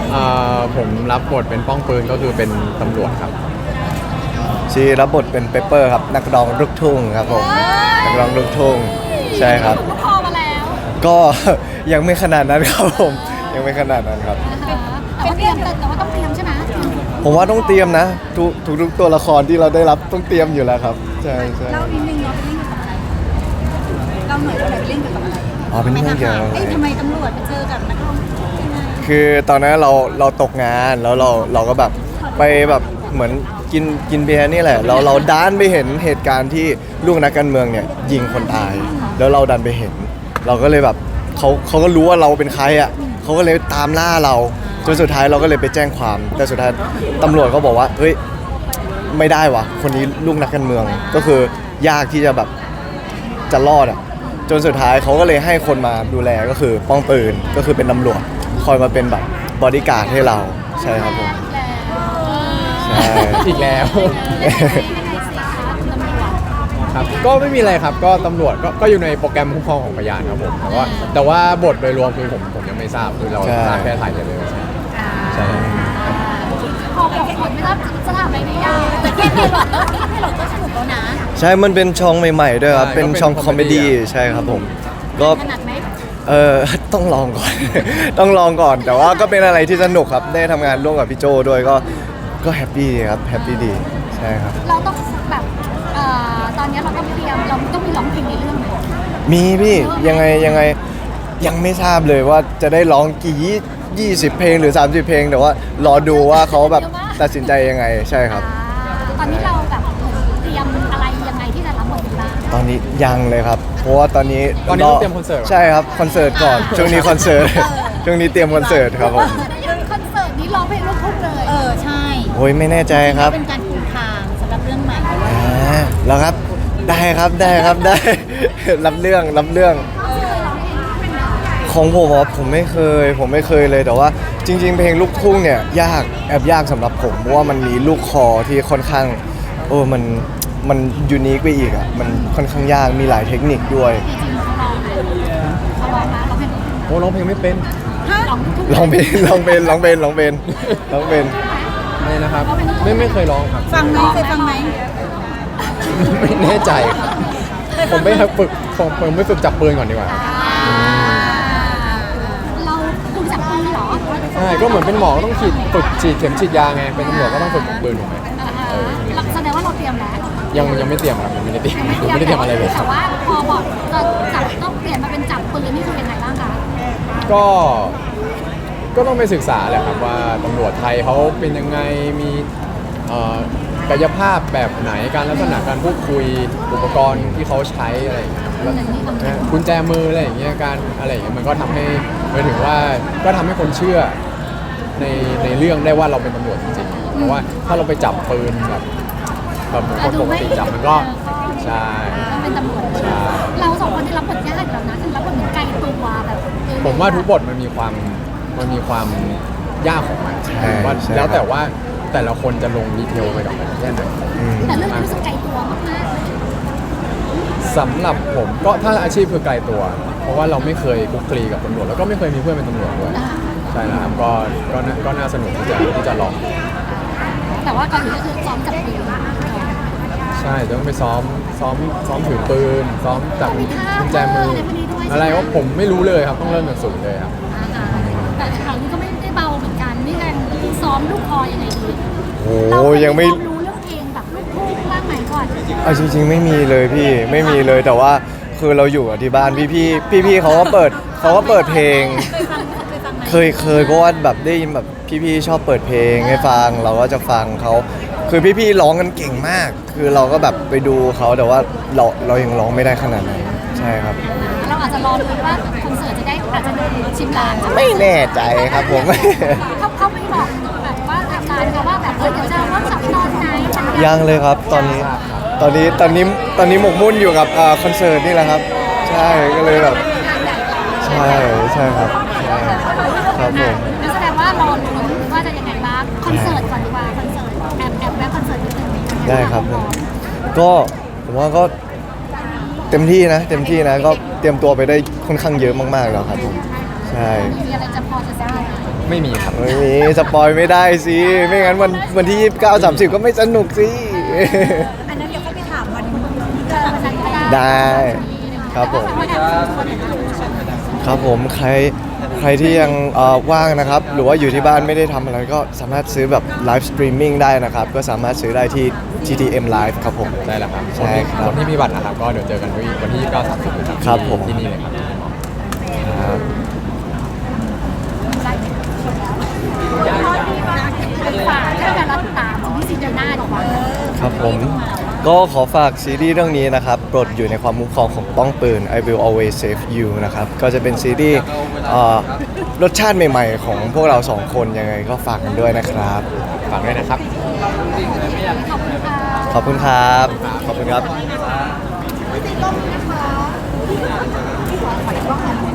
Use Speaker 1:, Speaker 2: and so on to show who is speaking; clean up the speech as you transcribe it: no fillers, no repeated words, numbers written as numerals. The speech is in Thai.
Speaker 1: ผมรับบทเป็นป้องปืนก็คือเป็นตำรวจครับ
Speaker 2: ชีรับบทเป็นเปเปอร์ครับนักร้องลูกทุ่งครับผมนักร้องลูกทุ่งใช่ครับ
Speaker 3: ลูกคอมาแล้ว
Speaker 2: ก็ ยังไม่ขนาดนั้นครับผมยังไม่ขนาดนั้นครับ
Speaker 3: เป็นเตรียมแต่ว่าต้องเตรียมใช่ไหม
Speaker 2: ผมว่าต้องเตรียมนะทุกตัวละครที่เราได้รับต้องเตรียมอยู่แล้วครับใช่ใช่
Speaker 3: เรานิดนึงเราเป็นเล่นเกี่ยวกับอะไรเราหน่อยเราเล่นเกี่ยวกับอะไร
Speaker 2: อ๋อเป็นเรื่องเกี่ยวกับอะไร
Speaker 3: ทำไมตำรวจมาเจอกับนักร้องยังไง
Speaker 2: คือตอนนั้นเราตกงานแล้วเราก็แบบไปแบบเหมือนกินเบียร์นี่แหละเราดันไปเห็นเหตุการณ์ที่ลูกนักการเมืองเนี่ยยิงคนตายแล้วเราดันไปเห็นเราก็เลยแบบเขาก็รู้ว่าเราเป็นใครอ่ะเขาก็เลยตามล่าเราจนสุดท้ายเราก็เลยไปแจ้งความแต่สุดท้ายตำรวจก็บอกว่าเฮ้ยไม่ได้วะคนนี้ลูกนักการเมืองก็คือยากที่จะแบบจะรอดอ่ะจนสุดท้ายเขาก็เลยให้คนมาดูแลก็คือป้องปืนก็คือเป็นตำรวจคอยมาเป็นแบบบอดี้การ์ดให้เราใช่ครับผมใช่
Speaker 1: อีกแล้วครับก็ไม่มีอะไรครับก็ตำรวจก็อยู่ในโปรแกรมคุ้มครองของพยานครับผมแต่ว่าบทโดยรวมคือผมยังไม่ทราบคือเราทราบแค่ถ่ายเลยใช่
Speaker 3: พอบอกคนไม่ทราบจะถามอะไรได้ยากแต่แค่ให้หลอดก็สนุกแล้วนะ
Speaker 2: ใช่มันเป็นช่องใหม่ๆด้วยครับเป็นช่องคอมเมดี้ใช่ครับผมก็
Speaker 3: ถนัดไหม
Speaker 2: ต้องลองก่อน ต้องลองก่อนแต่ว่าก็เป็นอะไรที่สนุกครับได้ทำงานร่วมกับพี่โจด้วยก็แฮปปี้ครับแฮปปี้ดีใช่ครับ
Speaker 3: เราต้องแบบตอนนี้เราต้องเตรียมเราต้องมีร้องเพลงในเรื่องไหม
Speaker 2: มีพี่ยังไงยังไม่ทราบเลยว่าจะได้ร้องกี่20เพลงหรือ30เพลงแต่ว่ารอดูว่าเขาแบบตัดสินใจยังไงใช่ครับ
Speaker 3: ตอนนี้เราแบบเตรียมอะไรยังไงที่จะรับบทบ้าง
Speaker 2: ตอนนี้ยังเลยครับเพราะว่าตอนนี้
Speaker 1: ต้องเตรียมคอนเสิร์ต
Speaker 2: ใช่ครับคอนเสิร์ตก่อนช่วงนี้คอนเสิร์ตช่วงนี้เตรียมคอนเสิร์ตครับผม
Speaker 3: คอนเสิร์ตนี้ร้องเพลงลูกทุ่งเลยใช่
Speaker 2: โอ้ยไม่แน่ใจครับ
Speaker 3: เป็นการปูทางสำหรับเรื่องใหม่
Speaker 2: แล้วครับได้ครับได้รับเรื่องของผมไม่เคยเลยแต่ว่าจริงๆเพลงลูกทุ่งเนี่ยแอบยากสำหรับผมเพราะว่ามันมีลูกคอที่ค่อนข้างมันยูนิคไปอีกอ่ะมันค่อนข้างยากมีหลายเทคนิคด้วย
Speaker 1: ร้องเพลงไม่เป็น
Speaker 2: ร้องเพลง
Speaker 1: อะไรนะครับไม่เคยร้องครับ
Speaker 3: ฟังไหมเคยฟังไหม
Speaker 1: ไม่แน่ใจครับผมไม่ฝึกจับปืนก่อนดีกว่า
Speaker 3: เราฝึกจับปืนเหรอ
Speaker 1: ใช่ก็เหมือนเป็นหมอก็ต้องฝึกฉีดเข็มฉีดยาไงเป็นตำรวจก็ต้องฝึกปืนถูกไหม
Speaker 3: แสดงว่าเราเตรียมแล้ว
Speaker 1: ยังไม่เตรียมครับไม่ได้เตรียมอะไรเลย
Speaker 3: แต่ว่าพอบอกจะจับต้องเปลี่ยนมาเป็นจับปืนนี่คือยังไงบ้างคะ
Speaker 1: ก็ต้องไปศึกษาแหละครับว่าตำรวจไทยเขาเป็นยังไงมีกายภาพแบบไหนการลักษณะการพูดคุยอุปกรณ์ที่เขาใช้อะไรอย่างเงี้ยกุญแจมืออะไรอย่างเงี้ยการอะไรอย่างเงี้ยมันก็ทำให้หมายถึงว่าก็ทำให้คนเชื่อในเรื่องได้ว่าเราเป็นตำรวจจริงๆเพราะว่าถ้าเราไปจับปืนแบบคนปกติจับมันก็ใช่
Speaker 3: เป็นตำรวจเราสองคนที่รับบทยากแล้วนะคือรับบทเหมือนไกลตัวแบบ
Speaker 1: ผมว่าทุกบทมันมีความยากของมันว่าแล้วแต่ว่าแต่ละคนจะลงดีเทลไปกับมันแค่ไหน
Speaker 3: แต่เรื่องนี้รู้สึกไกลตัวมาก
Speaker 1: ๆสำหรับผมก็ถ้าอาชีพคือไกลตัวเพราะว่าเราไม่เคยคุกคลีกับตำรวจแล้วก็ไม่เคยมีเพื่อนเป็นตำรวจด้วยใช่แล้วครับก็น่าสนุกที่จะลอง
Speaker 3: แต่ว่าก่อนอื่นก็คือซ้อมจับปืน
Speaker 1: ใช่ต้องไปซ้อมถือปืนซ้อมจับกุญแจมืออะไรว่าผมไม่รู้เลยครับต้องเริ่มจากศูนย์เลยครับ
Speaker 3: แต่คราวนี้ก็ไม่ได้เบาเหมือนกันนี่กันซ้อมลูกคอยังไงดี
Speaker 2: ยังไม่
Speaker 3: รู้เรื่องเพลงแบบลูกทุ่งบ้างไหมก่อน
Speaker 2: จริงๆไม่มีเลยพี่ไม่มีเลยแต่ว่าคือเราอยู่ที่บ้านพี่เขาก็เปิดเพลงเคยเพราะว่าแบบได้ยินแบบพี่ชอบเปิดเพลงให้ฟังเราก็จะฟังเขาคือพี่ร้องกันเก่งมากคือเราก็แบบไปดูเขาแต่ว่าเรายังร้องไม่ได้ขนาดนั้นใช่ครับ
Speaker 3: เราอาจจะรอดูว่าคอนเสิร์ตจะได้อาจจะชิมลาง
Speaker 2: ไม่แน่ใจครับผม
Speaker 3: เขาไม่บอกแบบว่าทำงานเขาว่าแบบเดี๋ยวจะเริ่มสับตอนไหน
Speaker 2: ยังเลยครับตอนนี้หมกมุ่นอยู่กับคอนเสิร์ตนี่แหละครับใช่ก็เลยแบบใช่ครับครับผม
Speaker 3: แสดงว่ารอลุ้นว่าจะยังไงบ้างคอนเสิร์ตก่อนดีกว่าคอนเสิร์ตแอบแวะคอนเสิร์ตนิดนึง
Speaker 2: ได้ครับก็ผมว่าก็เต็มที่นะก็เตรียมตัวไปได้ค่อนข้างเยอะมากๆแล้วครับผมใช่
Speaker 3: มีอะไรจะพอจะทราบ
Speaker 1: ไม่มีครับ
Speaker 2: ไม่มีสปอยไม่ได้สิไม่งั้นวันที่29 30ก็ไม่สนุกสิ
Speaker 3: อันนั้นเดี๋ยวค่อยไปถามวันนั้นก็ได้
Speaker 2: ได้ครับผม ครับผมใครที่ยังว่างนะครับ หรือว่าอยู่ที่บ้านไม่ได้ทำอะไรก็สามารถซื้อแบบไลฟ์สตรีมมิ่งได้นะครับ ก็สามารถซื้อได้ที่ TTM Live ครับผม
Speaker 1: ได้แล้วครับ
Speaker 2: ใช่ครับ
Speaker 1: คนที่มีบัตรนะครับก็เดี๋ยวเจอกันวันที่29 30นะครับ
Speaker 2: ครับผม
Speaker 1: ที่นี่เลยครับ
Speaker 2: ครับ
Speaker 3: ฝากให้การรับตามที่ซีเดือนหน้าดีกว่า
Speaker 2: ครับผมก็ขอฝากซีรีส์เรื่องนี้นะครับโปรดอยู่ในความคุ้มครองของป้องปืน I will always save you นะครับก็จะเป็นซีรีส์รสชาติใหม่ๆ ของพวกเราสองคนยังไงก็ฝากกันด้วยนะครับ
Speaker 1: ฝากด้วยนะครับ
Speaker 3: ขอบคุณค่ะ
Speaker 2: ขอบคุณครับ ขอบคุณครับ
Speaker 3: พี่ซีก้มนะคะขออีกรอบหนึ่ง